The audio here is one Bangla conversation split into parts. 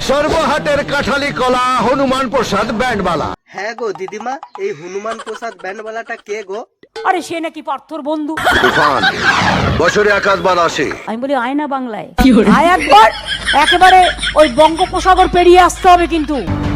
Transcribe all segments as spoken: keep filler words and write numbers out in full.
সর্বহাটের কাঠালি কলা হনুমান প্রসাদ ব্যান্ডবালা। হ্যাঁ গো দিদিমা, এই হনুমান প্রসাদ ব্যান্ডবালাটা কে গো? আরে সে নাকি পার্থর বন্ধু। তুফান বছরে একাধবার আসে। আমি বলি আয় না বাংলায়, আয় একবার, একেবারে ওই বঙ্গোপসাগর পেরিয়ে আসতে হবে। কিন্তু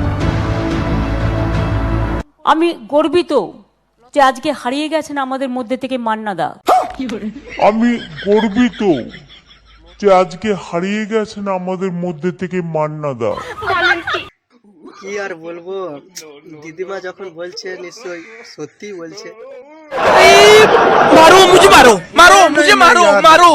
আমি গর্বিত যে আজকে হারিয়ে গেছেন আমাদের মধ্যে থেকে মান্নাদা। আমি গর্বিত যে আজকে হারিয়ে গেছেন আমাদের মধ্যে থেকে মান্নাদা। কি আর বলবো, দিদিমা যখন বলছে নিশ্চয়ই সত্যি বলছে। मारो मुझे, मारो मारो मुझे, मारो मारो।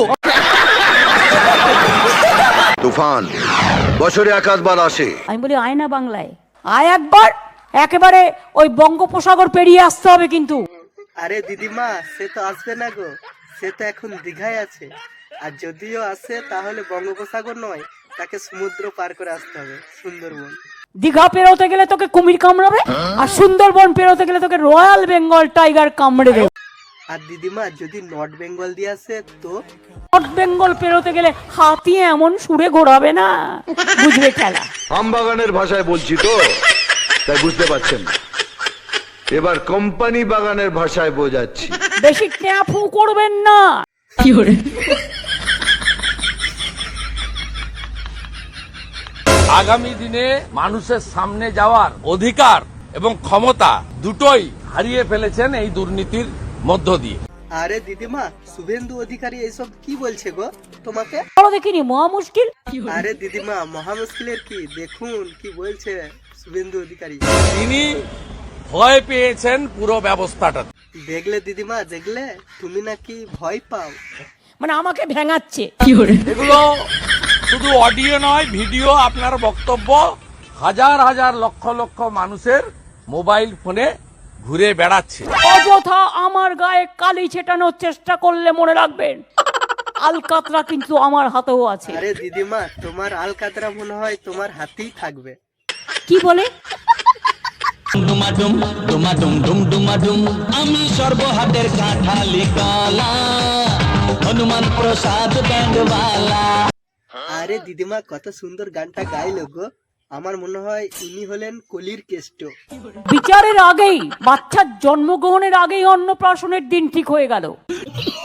তুফান বছরে একাধবার আসে। আমি বলি আয় না বাংলায়, আয় একবার, একেবারে ওই বঙ্গোপসাগর পেরিয়ে আসতে হবে। কিন্তু আরে দিদিমা, সে তো আসবে না গো, সে তো এখন দীঘায় আছে। আর যদিও আসে তাহলে বঙ্গোপসাগর নয়, তাকে সমুদ্র পার করে আসতে হবে, সুন্দরবন। দীঘা পেরোতে গেলে তোকে কুমির কামড়াবে, আর সুন্দরবন পেরোতে গেলে তোকে রয়্যাল বেঙ্গল টাইগার কামড়ে দেবে। আর দিদিমা যদি নর্থ বেঙ্গল দিয়ে আসে তো? নর্থ বেঙ্গল পেরোতে গেলে হাতি এমন সুরে ঘোরাবে না, বুঝবে খেলা। আমবাগানের ভাষায় বলছি তো, তাই বুঝতে পারছেন না। এবার কোম্পানি বাগানের ভাষায় বোঝাচ্ছি। বেশি ট্যাফু করবেন না। আগামী দিনে মানুষের সামনে যাওয়ার অধিকার এবং ক্ষমতা দুটোই হারিয়ে ফেলেছেন এই দুর্নীতির মধ্য দিয়ে। আরে দিদিমা, শুভেন্দু অধিকারী এইসব কি বলছে গো তোমাকে? বলো দেখিনি, মহা মুশকিল। আরে দিদিমা, মহা মুশকিলের কি, দেখুন কি বলছে শুভেন্দু অধিকারী। তিনি ভয় পেয়েছেন পুরো ব্যবস্থাটা। দেখলে দিদিমা, দেখলে তুমি নাকি ভয় পাও। মানে আমাকে ভেঙাচ্ছে। এগুলো শুধু অডিও নয়, ভিডিও, আপনার বক্তব্য হাজার হাজার লক্ষ লক্ষ মানুষের মোবাইল ফোনে ঘুরে বেড়াচ্ছে। অযথা আমার গায়ে কালি ছেটানোর চেষ্টা করলে মনে রাখবেন, আলকাতরা কিন্তু আমার হাতেও আছে। আরে দিদিমা, তোমার আলকাতরা মনে হয় তোমার হাতেই থাকবে। কি বলে? ডুমাডুম ডুমাডুম ডুম ডুমাডুম, আমি সর্বহাটের কাঠালি কলা হনুমান প্রসাদ ব্যান্ডওয়ালা। আরে দিদিমা, কত সুন্দর গানটা গাইলো গো। আমার মনে হয় ইনি হলেন কলির কেষ্ট। বিচারের আগেই, বাচ্চার জন্মগ্রহণের আগেই অন্নপ্রাশনের দিন ঠিক হয়ে গেল।